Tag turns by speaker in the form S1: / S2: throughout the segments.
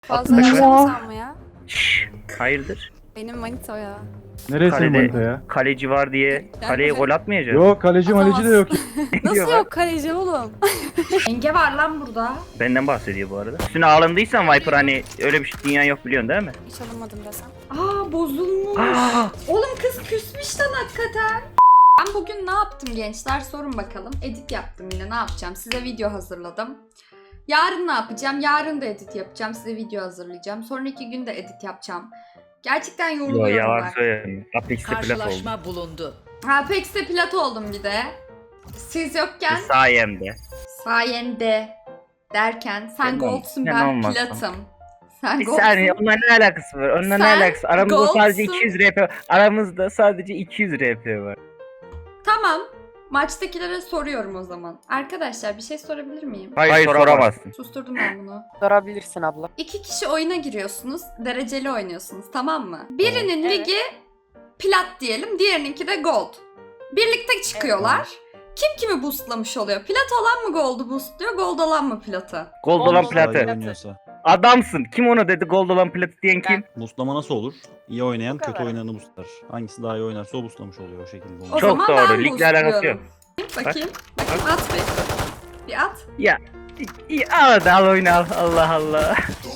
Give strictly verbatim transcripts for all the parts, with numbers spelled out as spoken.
S1: Fazla
S2: Atmış.
S1: yaşamasam mı ya?
S2: Şşş, hayırdır?
S1: Benim manita o ya.
S3: Neresi
S2: Kalede
S3: manita ya?
S2: kaleci var diye
S1: Yani
S2: kaleye
S1: böyle-
S2: gol atmayacak.
S3: Yok kaleci maleci de yok.
S1: Nasıl
S2: diyor
S1: yok kaleci oğlum?
S4: Yenge var lan burada.
S2: Benden bahsediyor bu arada. Üstüne alındıysan Viper hani öyle bir şey dünya yok biliyorsun değil mi?
S1: Hiç alınmadım desem.
S4: Aa bozulmuş.
S2: Aa!
S4: Oğlum kız küsmüş lan hakikaten. Ben bugün ne yaptım gençler sorun bakalım. Edit yaptım yine ne yapacağım. Size video hazırladım. Yarın ne yapacağım? Yarın da edit yapacağım. Size video hazırlayacağım. Sonraki gün de edit yapacağım. Gerçekten
S2: Yo
S4: yoruluyorum
S2: yalan
S4: ben.
S2: söylemiyorum. Apex'te plat oldu.
S5: Karşılaşma bulundu.
S4: Ha Pex'te plat oldum bir de. Siz yokken
S2: Sayemde.
S4: sayende derken sen
S2: Sen
S4: goldsun
S2: sen
S4: ben
S2: olmazsın.
S4: platım. Sen
S2: Bir
S4: goldsun.
S2: saniye onunla ne alakası var? Onunla ne
S4: Sen
S2: alakası? Aramızda sadece
S4: golsün.
S2: iki yüz R P var. Aramızda sadece iki yüz R P var.
S4: Tamam. Maçtakilere soruyorum o zaman. Arkadaşlar bir şey sorabilir miyim?
S2: Hayır, Hayır soramazsın.
S4: Susturdum ben bunu.
S6: Sorabilirsin abla.
S4: İki kişi oyuna giriyorsunuz. Dereceli oynuyorsunuz tamam mı? Birinin
S6: Evet.
S4: ligi plat diyelim. Diğerininki de gold. Birlikte çıkıyorlar. Kim kimi boostlamış oluyor? Plat olan mı gold'u boostluyor? Gold olan mı platı?
S2: Gold
S6: Gold
S2: olan
S6: olan
S2: platı.
S6: platı.
S7: oynuyorsa.
S2: Adamsın. Kim onu dedi gold olan platı diyen kim?
S7: Buslama nasıl olur? İyi oynayan
S6: Bu kadar.
S7: kötü oynayanı buslar. Hangisi daha iyi oynarsa o buslamış oluyor o şekilde.
S4: O
S7: oluyor.
S2: Çok
S4: zaman
S2: doğru,
S4: ben
S2: ligle alakası
S4: boostluyorum. Bakayım. Bakayım at bir. Bir at.
S2: Ya. İyi, al hadi al oyunu al. Allah Allah.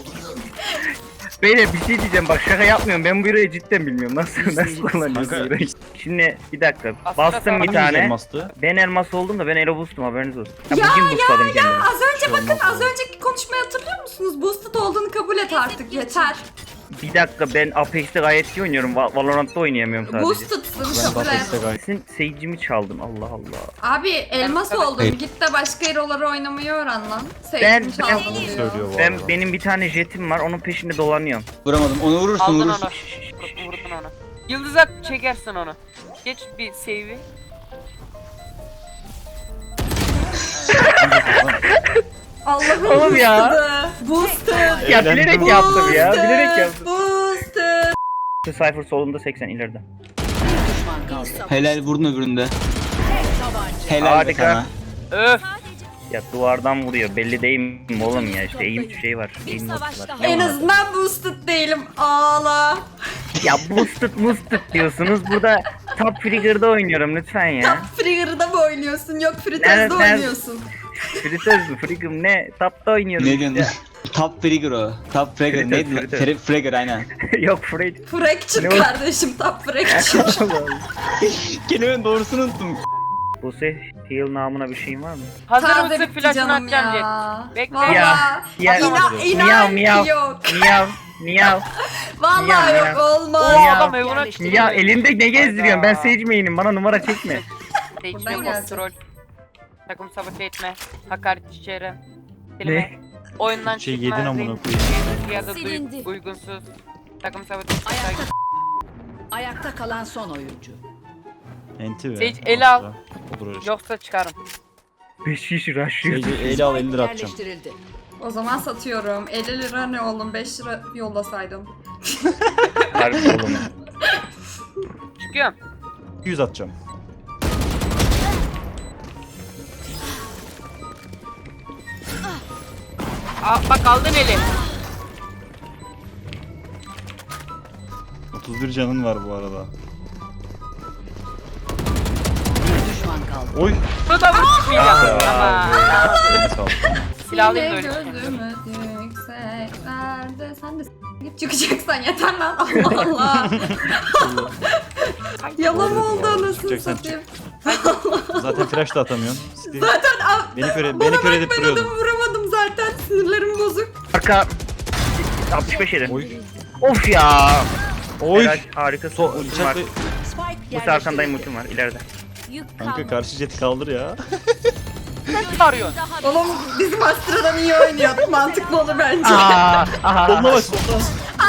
S2: Beyler bir şey diyeceğim bak şaka yapmıyorum. Ben bu yüreği cidden bilmiyorum. Nasıl nasıl kullanıyorsun
S7: Kanka.
S2: yüreği? Şimdi bir dakika.
S6: Aslında
S2: Bastım bir
S7: Hangimiz
S2: tane.
S7: elmastı?
S2: Ben elmas oldum da ben elo boostum haberiniz olsun. Ya,
S4: Ya,
S2: bugün boostladım kendimi.
S4: Az önce
S7: Şey
S4: bakın
S7: olmaz
S4: az
S7: mı?
S4: önceki konuşmayı hatırlıyor musunuz? Boosted olduğunu kabul et artık yeter.
S2: Bir dakika ben Apex'te gayet iyi oynuyorum. Va- Valorant'ta oynayamıyorum sadece.
S4: Boosted'sın
S7: Ben
S4: kabul et.
S7: Batex'te gayet.
S2: Senin seyircimi çaldın Allah Allah.
S4: Abi elmas
S6: Ben-
S4: oldun.
S7: Evet.
S4: Git de başka hero'ları oynamayı öğren lan.
S2: Ben-
S4: Sevdim
S2: ben-
S4: çaldın
S7: Bunu
S4: diyor.
S7: söylüyor bu
S2: Ben
S7: arada.
S2: benim bir tane jetim var onun peşinde dolanıyorum.
S8: Vuramadım. Onu vurursun
S6: Aldın
S8: vurursun.
S6: onu. Vur- Vurdun onu. Yıldıza çekersin onu. Geç bir save'i.
S4: Allah'ım
S2: Oğlum ya.
S4: boosted. Boosted.
S2: Ya bilerek yaptım ya.
S4: Boosted,
S2: Bilerek yaptım.
S4: Boosted.
S2: Cypher solunda seksen ileride.
S5: Bir düşman kaldı.
S8: Helal vurdun öbüründe.
S5: Tabanca.
S8: Helal be
S2: Harika.
S8: sana.
S6: Öf.
S2: Ya duvardan vuruyor. Belli değil mi oğlum ya işte eğim bir şey var. Eğim notu var. Ne
S4: En
S2: var?
S4: azından boosted değilim. Ağla.
S2: Ya boosted boosted diyorsunuz. Burada top trigger'da oynuyorum lütfen ya.
S4: Frigger'da mı oynuyorsun? Yok
S2: Nerede-
S4: Fritez'de
S2: nerede-
S4: oynuyorsun.
S2: Fritöz mü? Frigger ne? Top'ta oynuyorum.
S8: Ne diyorsun? Top Frigger o. Top Frigger.
S2: Fritter,
S8: Neydi?
S2: fritter.
S8: Fre- Frigger aynen.
S2: Yok Fred.
S4: Fracture
S2: Ne o?
S4: kardeşim. Top fracture.
S8: Kelimenin doğrusunu unuttum.
S2: Bu se heal namına bir şeyin var mı?
S6: Hazır
S4: Taze
S6: mısın
S4: bitti
S6: flash'ını
S4: canım
S6: atacağım Jet.
S4: ya.
S6: Bekle.
S4: Valla.
S2: Ya, ya.
S4: İnan,
S2: Miyav,
S4: inan
S2: miyav.
S4: ki yok.
S2: Miyav. Miyav.
S4: Valla
S2: Miyav,
S4: yok
S2: miyav.
S4: olmaz.
S6: Oo
S2: Ya.
S6: adam evine çıktı.
S2: Ya elinde ne gezdiriyorsun? Ben Sage main'im. Bana numara çekme.
S6: Seçme
S4: Buradan gelecek.
S6: kontrol. Takım sabote etme. Hakaret içeri. Silme. Oyundan
S7: Şey
S6: çıkma.
S7: yedin amına
S6: zevk-
S7: koyayım.
S6: zevk Ya da duy-
S1: Silindi.
S6: uygunsuz. Takım sabote etme.
S5: Ayakta, ayakta kalan son oyuncu.
S7: Enti be.
S6: Sage, eli al.
S7: Olur öyle şey.
S6: Yoksa çıkarım.
S2: beş kişi rushlıyor.
S7: Sage'i eli al elli lira atacağım.
S5: Yerleştirildi.
S4: O zaman satıyorum. elli lira ne oğlum? beş lira yollasaydım.
S2: Harbi oğlum.
S6: Çıkıyorum.
S7: yüz atacağım.
S6: Aa, bak aldın eli.
S7: otuz bir canın var bu arada.
S5: Bir düşman kaldı.
S7: Oy.
S6: Bunu da vur çıkmayacağım. Tamam.
S7: Eline sağlık.
S6: Silah alayım da
S4: Yine
S6: öyle.
S4: gözümü yükseklerde. Sen de s- git çıkacaksan yeter lan. Allah Allah. Yalan mı oldu anasını
S7: Çıkacaksan
S4: satayım.
S7: Zaten flash da atamıyorsun. Steve,
S4: Zaten a-
S7: Beni köre,
S4: bana
S7: beni kör edip
S4: bak ben
S7: duruyordun.
S4: adamı vuramadım zaten. Sinirlerim bozuk.
S2: Arka. altmış beş yedi.
S7: Oy.
S2: Of ya.
S7: Oy.
S2: Helal, harika.
S7: So,
S2: Ultim var.
S7: bıçakla...
S5: Spike
S2: Bu sefer arkandayım
S5: yerleştirildi.
S2: ultim var ileride.
S7: Kanka karşı jeti kaldır ya.
S6: Ne arıyorsun?
S4: Oğlum bizim Astra'dan iyi oynuyor. Mantıklı olur bence.
S2: Aa, aha.
S7: Soluna bak soluna.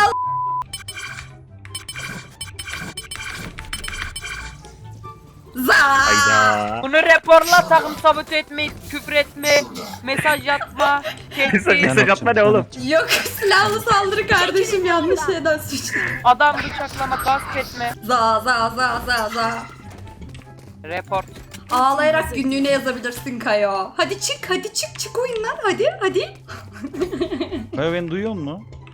S4: Za.
S2: Hayda.
S6: Bunu raporla, takım sabote etme, küfür etme, mesaj atma,
S2: Mesaj,
S6: tehdit,
S2: mesaj atma ne oğlum?
S4: Yok silahlı saldırı kardeşim yanlış şeyden suçlu.
S6: adam bıçaklama, gasp etme,
S4: Za za za za za.
S6: report.
S4: Ağlayarak günlüğüne yazabilirsin Kayo. Hadi çık hadi çık çık oyundan hadi hadi.
S7: Kaya beni duyuyor musun?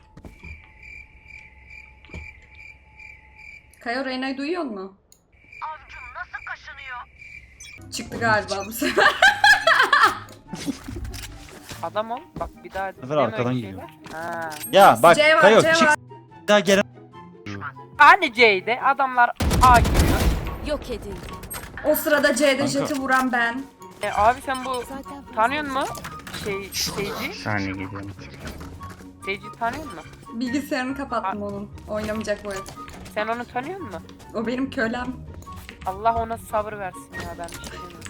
S4: Kayo Reyna'yı duyuyor mu? Avcum nasıl kaşınıyor? Çıktı galiba bu sefer.
S6: Adam ol. Bak bir daha
S7: sefer
S6: deme
S7: arkadan
S6: öyle
S7: geliyor.
S6: şeyler. Ha.
S7: Ya bak
S4: C var,
S7: Kayo
S4: C
S7: çık.
S4: var.
S7: Bir daha gelen.
S6: Hani C'de adamlar A giriyor.
S1: Yok edildi.
S4: O sırada C'de
S7: Kanka.
S4: jeti vuran ben.
S6: E, abi sen bu
S1: Zaten
S6: tanıyor musun? Şey, Seyci.
S2: Saniye geliyorum.
S6: Seyci tanıyor musun?
S4: Bilgisayarını kapattım onun. Oynamayacak bu el.
S6: Sen onu tanıyor musun?
S4: O benim kölem.
S6: Allah ona sabır versin ya, ben bir şey demiyorum.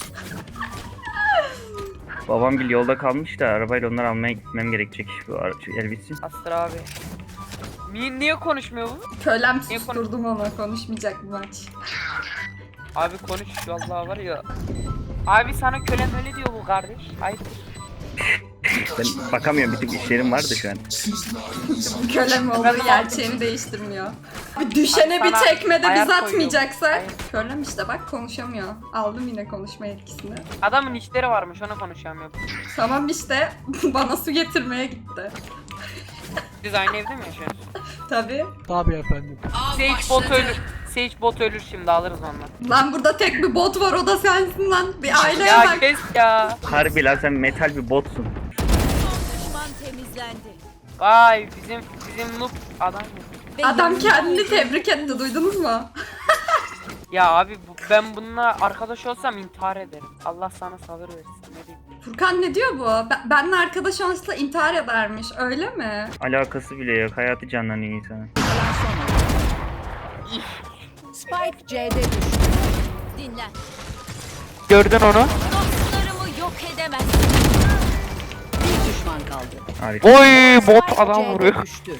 S2: Babam bir yolda kalmış da arabayla onları almaya gitmem gerekecek. Bu ara- şu el bitsin.
S6: Astır abi. Niye, niye konuşmuyor bu?
S4: Kölem
S6: Niye
S4: susturdum onu. Konuşmayacak bu maç.
S6: Abi konuş vallahi var ya. Abi sana kölem öyle diyor bu kardeş. Hayır.
S2: Ben bakamıyorum, bir tık işlerim vardı şu an.
S4: Kölem olduğu gerçeğini değiştirmiyor. Bir düşene
S6: Abi
S4: bir
S6: sana
S4: tekmede
S6: ayar
S4: biz
S6: koyuyor.
S4: atmayacaksak.
S6: Ayar.
S4: Kölem işte bak konuşamıyor. Aldım yine konuşma yetkisini.
S6: Adamın işleri varmış, ona konuşamıyor.
S4: Tamam işte bana su getirmeye gitti.
S6: Siz aynı evde mi yaşıyorsunuz?
S4: Tabii.
S6: Sage bot ölür. Sage bot ölür şimdi, alırız ondan.
S4: Lan burada tek bir bot var, o da sensin lan. Bir aileye
S6: Ya
S4: bak.
S6: kes ya.
S2: Harbi lan, sen metal bir botsun.
S1: düşman temizlendi.
S6: Vay bizim bizim noob adam ya.
S4: Adam kendini tebrik etti, duydunuz mu?
S6: Ya abi bu, ben bununla arkadaş olsam intihar ederim. Allah sana sabır versin, ne diyeyim.
S4: Furkan ne diyor bu? Ben, benle arkadaş olsa intihar edermiş, öyle mi?
S2: Alakası bile yok. Hayatı canlanıyor insanın.
S5: Kalan son oyuncu. Spike C'de düştü.
S1: Dinlen.
S6: Gördün onu.
S1: Dostlarımı yok edemez.
S5: Bir düşman kaldı.
S2: Harika.
S6: Oy bot
S5: Spike
S6: adam
S5: C'de
S6: vuruyor.
S5: düştü.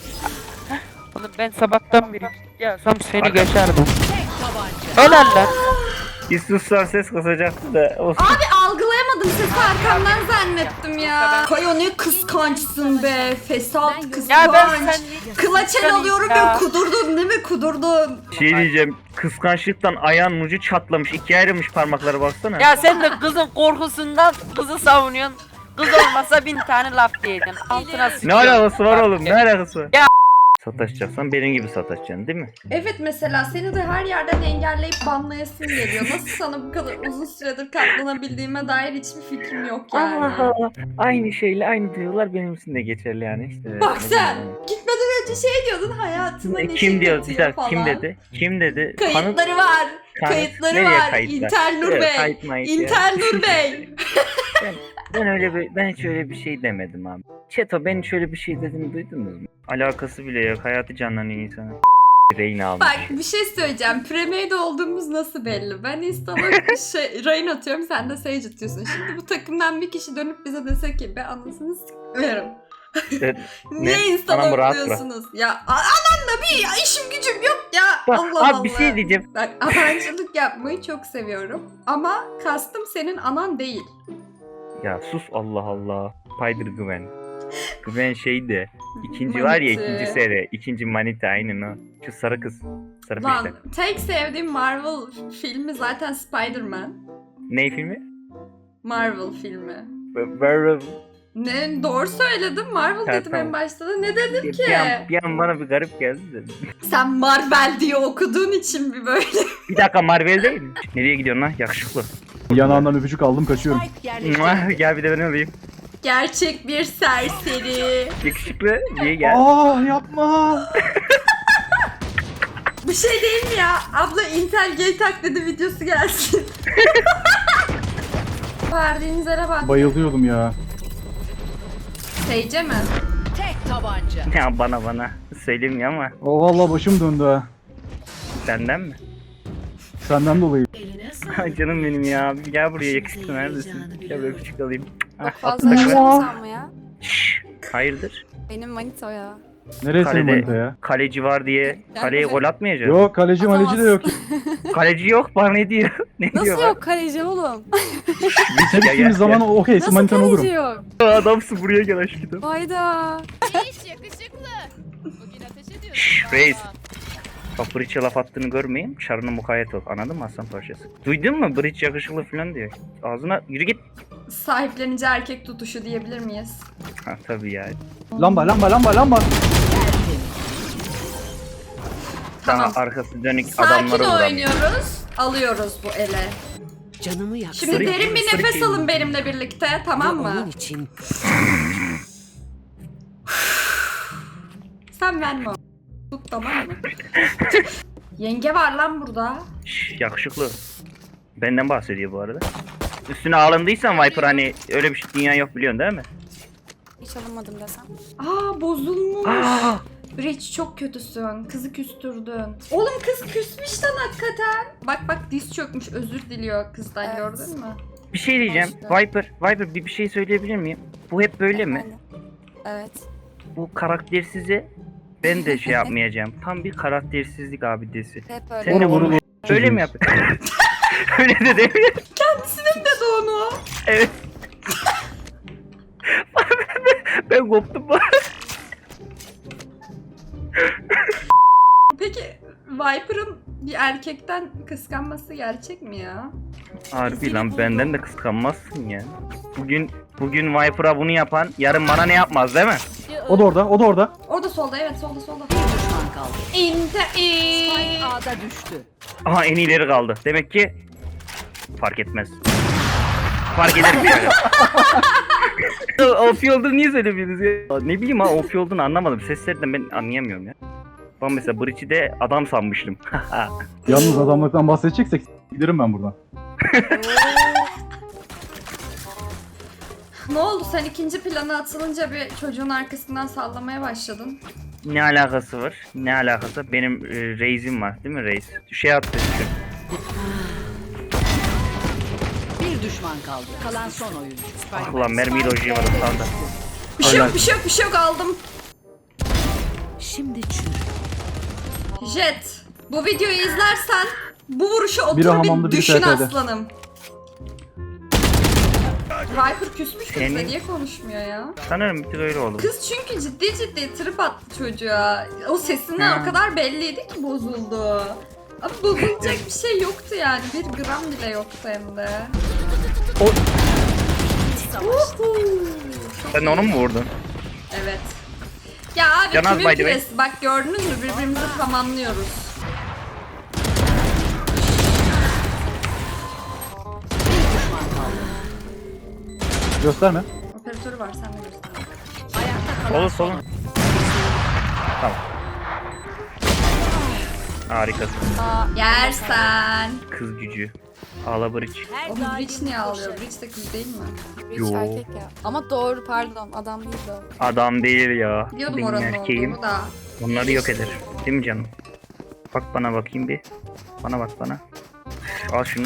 S6: Oğlum ben sabahtan beri gelsem seni geçerdim.
S5: Tek tabanca.
S6: Helal lan.
S2: Bir sussan ses kasacaktı da. Olsun.
S4: Abi algılayamadım, sesi arkamdan zannettim ya. Kayo ne kıskançsın be, fesat
S6: Ya ben
S4: kıskanç.
S6: sen
S4: Kılaç el alıyorum
S6: Ya.
S4: ya, kudurdun değil mi, kudurdun.
S2: Şey diyeceğim, kıskançlıktan ayağın ucu çatlamış, ikiye ayrılmış parmakları, baksana.
S6: Ya sen de kızın korkusundan kızı savunuyorsun. Kız olmasa bin tane laf diyeceksin. Altına
S2: Ne
S6: sıçıyorsun.
S2: alakası var oğlum, ne alakası var?
S6: Ya.
S2: Sataşacaksan benim gibi sataşacaksın değil mi?
S4: Evet, mesela seni de her yerden engelleyip banlayasın geliyor. Nasıl sana bu kadar uzun süredir katlanabildiğime dair hiçbir fikrim yok yani.
S2: Allah Allah. Aynı şeyle aynı duygular benim için de geçerli yani işte.
S4: Bak
S2: Ne
S4: sen,
S2: bileyim
S4: gitmeden önce şey diyordun, hayatıma
S2: yani.
S4: neşe
S2: Kim diyor?
S4: katıyor
S2: Güzel,
S4: falan.
S2: kim dedi? Kim dedi? Kanıt-
S4: Kayıtları var.
S2: kanıt-
S4: Kayıtları
S2: nereye
S4: var.
S2: kayıtlar?
S4: İntel Nur
S2: Evet,
S4: Bey.
S2: kayıt mayıt ya.
S4: İntel Nur Bey.
S2: Ben, ben öyle bir, ben hiç öyle bir şey demedim abi. Çeto, ben hiç öyle bir şey dedim, duydunuz mu? Alakası bile yok, hayatı canlanıyor insanın. Reyna almış.
S4: Bak bir şey söyleyeceğim. Premade olduğumuz nasıl belli? Ben install'a şey, Rain atıyorum, sen de Sage atıyorsun. Şimdi bu takımdan bir kişi dönüp bize dese ki be anasını s**verim.
S2: Evet,
S4: Niye
S2: ne?
S4: install
S2: Anam rahat
S4: atıyorsunuz? Ya a- anam da bir ya, işim gücüm yok ya.
S2: Bak,
S4: Allah
S2: abi
S4: Allah.
S2: bir şey diyeceğim.
S4: Bak abancılık yapmayı çok seviyorum. Ama kastım senin anan değil.
S2: Ya sus, Allah Allah. Spider Gwen. Gwen şeydi. İkinci var ya,
S4: Manita.
S2: ikinci seri. İkinci Manita, aynen o. Şu sarı kız. Sarı
S4: Lan
S2: peşte.
S4: tek sevdiğim Marvel filmi zaten Spider-Man.
S2: Ne filmi?
S4: Marvel filmi.
S2: Böyle
S4: Ne doğru söyledim, Marvel
S2: Ha,
S4: dedim
S2: tamam.
S4: en başta da. Ne dedim ki?
S2: bir an, bir an bana bir garip geldi de.
S4: Sen Marvel diye okuduğun için bir böyle.
S2: Bir dakika, Marvel değil mi? Nereye gidiyorsun lan? Yakışıklı.
S3: Yanağından öpücük aldım, kaçıyorum.
S5: Spike yerleştirildi.
S2: Gel bir de ben alayım.
S4: Gerçek bir serseri.
S2: Yakışıklı diye gel.
S3: Aa yapma.
S4: Bir şey değil mi ya? Abla Intel Gay taklidi videosu gelsin. Verdiğiniz yere bak.
S3: Bayılıyordum ya.
S4: Seyce mi?
S5: Tek tabanca.
S2: Ya bana bana. Söyleyeyim ya ama.
S3: O vallahi başım döndü ha.
S2: Senden mi?
S3: Senden dolayı.
S2: Canım benim ya. Bir gel buraya, yakışıklı, neredesin? Gel böyle küçük alayım. Ah,
S1: Çok fazla
S2: atla.
S1: yaşadın sanma ya.
S2: Şşş, hayırdır?
S1: Benim manita o ya.
S3: Neresi
S2: Kalede-
S3: manita ya?
S2: Kaleci var diye kaleye gol atmayacağız.
S3: Yok, kaleci maleci de yok.
S2: Kaleci yok, bana ne diyor? Ne
S1: Nasıl
S2: diyor
S1: yok kaleci oğlum?
S3: Sen
S2: gel,
S3: gittiğimiz zaman okey,
S1: Nasıl
S3: manitan
S1: kaleci
S3: olurum.
S1: yok?
S2: lan? Adamsın, buraya gel aşkım.
S1: Hayda.
S2: Şşş reis. Bak, Breach'e laf attığını görmeyeyim. Çarına mukayyet ol. Anladın mı aslan parçası? Duydun mu? Breach yakışıklı falan diyor. Ağzına yürü git.
S4: Sahiplenici erkek tutuşu diyebilir miyiz?
S2: Ha tabii ya.
S3: Lamba lamba lamba lamba.
S4: Tamam.
S2: Daha arkası dönük
S4: Sakin
S2: adamlara vuran.
S4: oynuyoruz. Alıyoruz bu ele.
S5: Canımı yak.
S4: Şimdi
S2: Sırık-
S4: derin bir
S2: sırık
S4: nefes
S2: yemin.
S4: alın benimle birlikte, tamam mı?
S5: Onun için
S4: Sen verme o. Tut, tamam mı? Yenge var lan burada.
S2: Şş, yakışıklı. Benden bahsediyor bu arada. Üstüne alındıysan Viper hani öyle bir şey dünya yok biliyorsun değil mi?
S1: Hiç alınmadım desem.
S4: Aa, bozulmuş.
S2: Aa!
S4: Rich, çok kötüsün. Kızı küstürdün. Oğlum kız küsmüş lan hakikaten. Bak bak, diz çökmüş, özür diliyor kızdan,
S1: Evet.
S4: gördün mü?
S2: Bir şey diyeceğim.
S1: Başka.
S2: Viper, Viper bir, bir şey söyleyebilir miyim? Bu hep böyle mi?
S1: Efendim? Evet.
S2: Bu karaktersizi ben de şey yapmayacağım. Tam bir karaktersizlik abidesi.
S1: Hep öyle.
S2: Sen de
S3: Vurun,
S2: bunu
S3: vurun,
S2: öyle mi
S3: çocuğuz.
S2: yapıyorsun? Öyle de değil mi?
S4: Ne de onu?
S2: Evet. Ben koptum bu.
S4: Peki Viper'ın bir erkekten kıskanması gerçek mi ya?
S2: Harbi lan benden de kıskanmazsın ya. Bugün bugün Viper'a bunu yapan yarın bana ne yapmaz değil mi?
S3: O da orada, o da orada.
S4: Orada solda, evet solda solda.
S5: bir düşman kaldı.
S4: İnte
S5: Spike A'da düştü.
S2: Aha en iyileri kaldı. Demek ki fark etmez. Fark eder mi yani? O P olduğunu niye söylemiyorsunuz ya? Ne bileyim ha O P olduğunu anlamadım. Seslerden ben anlayamıyorum ya. Ben mesela Breach'i de adam sanmıştım.
S3: Yalnız adamlıktan bahsedeceksek giderim ben buradan.
S4: Ne oldu, sen ikinci plana atılınca bir çocuğun arkasından sallamaya başladın.
S2: Ne alakası var? Ne alakası? Benim e, Reis'im var değil mi Reis? Şey attı düşün.
S5: Bir düşman kaldı. Kalan son oyuncu.
S2: Ah ulan mermiyle hocaya var sağda.
S4: Bir şey yok, bir şey yok, bir şey yok, aldım.
S5: Şimdi çür.
S4: Jet, bu videoyu izlersen bu vuruşu
S3: Biri
S4: otur
S3: hamamda,
S4: bir
S3: biri
S4: düşün
S3: T T'de.
S4: aslanım. Viper küsmüş kızla,
S2: Senin-
S4: niye konuşmuyor ya?
S2: Sanırım bir tık öyle oldu.
S4: Kız çünkü ciddi ciddi trip attı çocuğa. O sesinden
S2: Ha.
S4: o kadar belliydi ki bozuldu. Ama bozulacak bir şey yoktu yani. Bir gram bile yoktu hem de.
S2: O-
S4: Uhu.
S2: Sen onu mu vurdun?
S4: Evet. Ya abi
S2: Canaz,
S4: kimin
S2: by the way.
S4: piresi? Bak gördünüz mü, birbirimizi tamamlıyoruz.
S5: Bir düşman kaldı.
S3: Gösterme.
S4: Operatörü var, sen de göster.
S5: Ayakta kalan
S2: Olur
S5: son
S2: solun. Tamam. Harikasın.
S1: Aa,
S4: Yersen.
S2: Kız gücü. Ağla Breach.
S4: O Breach niye ağlıyor? Breach de kız değil mi?
S1: Rich
S2: Yo.
S1: erkek ya. Ama doğru, pardon, adam değil de.
S2: Adam değil ya.
S4: Biliyordum
S2: Benim
S4: oranın
S2: erkeğim.
S4: olduğunu da.
S2: Onları yok eder. Değil mi canım? Bak bana bakayım bir. Bana bak bana. Al şunu.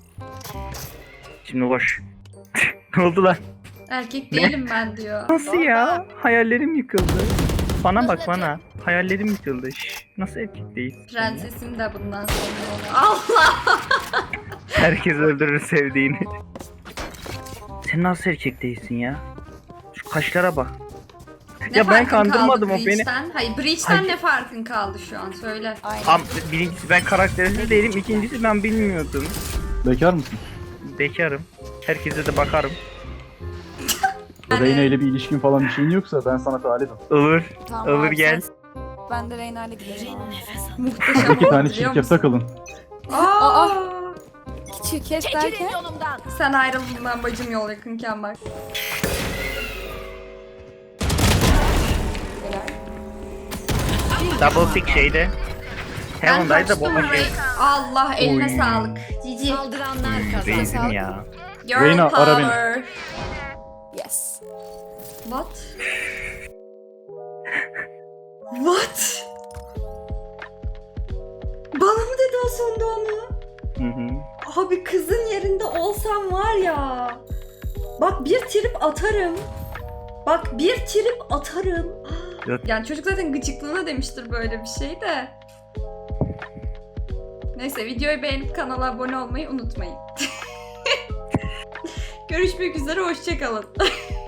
S2: Şimdi koş. Ne oldu lan?
S4: Erkek
S2: Ne?
S4: değilim ben diyor.
S2: Nasıl ya? Hayallerim yıkıldı. Bana bak bana. Hayallerim yıkıldı. Şş, nasıl erkek değilsin? ya?
S4: Prensesim de bundan sonra. Allah!
S2: Herkes öldürür sevdiğini. Sen nasıl erkek değilsin ya? Şu kaşlara bak.
S4: Ne
S2: Ya ben
S4: farkın
S2: kandırmadım,
S4: kaldı
S2: o beni.
S4: Breach'ten? Hayır, Breach'ten
S2: Hayır.
S4: ne farkın kaldı şu an? Söyle.
S1: Aynen.
S2: Am birincisi ben karaktersiz değilim. İkincisi ben bilmiyordum.
S3: Bekar mısın?
S2: Bekarım. Herkese de bakarım.
S4: Yani-
S3: Reyna ile bir ilişkin falan bir şeyin yoksa ben sana talibim.
S2: Olur.
S1: Tamam,
S2: Olur
S1: abi,
S2: gel.
S1: sen- Ben de Reyna'yla giderim.
S4: Muhteşem
S3: İki
S4: oldu
S3: tane
S4: biliyor
S3: çift
S4: musun?
S3: yapsa kalın.
S4: Aa!
S1: Küçük kes derken.
S4: Sen ayrıldığından bacım yol yakınken bak.
S2: Double tick şeyde.
S4: Ben
S2: Heaven'daydı
S4: kaçtım
S2: bomba şey.
S4: Ray. Allah eline
S2: Oy.
S4: sağlık. Cici.
S5: saldıranlar kazandı.
S2: Reis'im ya.
S4: Girl
S3: Reyna, ara beni.
S4: power.
S1: Yes.
S4: What? What? Bana mı dedi o sonda onu?
S2: Hı hı.
S4: Abi kızın yerinde olsam var ya. Bak bir trip atarım. Bak bir trip atarım. Ah,
S2: Yok.
S4: yani çocuk zaten gıcıklığına demiştir böyle bir şey de. Neyse, videoyu beğenip kanala abone olmayı unutmayın. Görüşmek üzere, hoşça kalın.